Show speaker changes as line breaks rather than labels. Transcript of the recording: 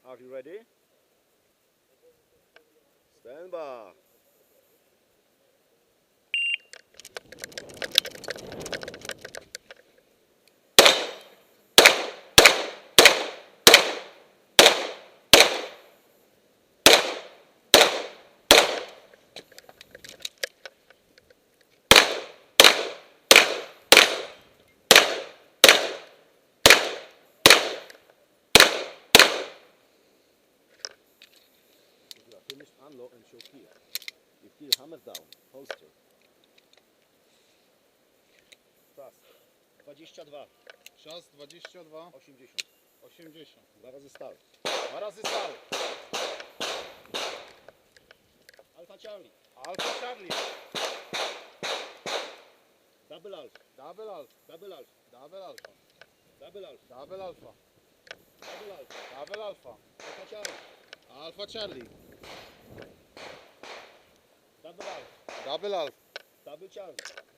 Are you ready? Stand by. Finish, unlock and show key. You key hammer down, holster. Czas 22,
Czas 22,
80.
80.
2 razy start.
2 razy stary.
Alfa Charlie.
Alfa Charlie.
Double alpha.
Double alfa.
Double alpha.
Double alfa.
Double alpha.
Double alfa.
Double alpha.
Double alfa.
Alfa Charlie.
Alfa Charlie.
Double alpha.
Double alfa.
Double Charlie.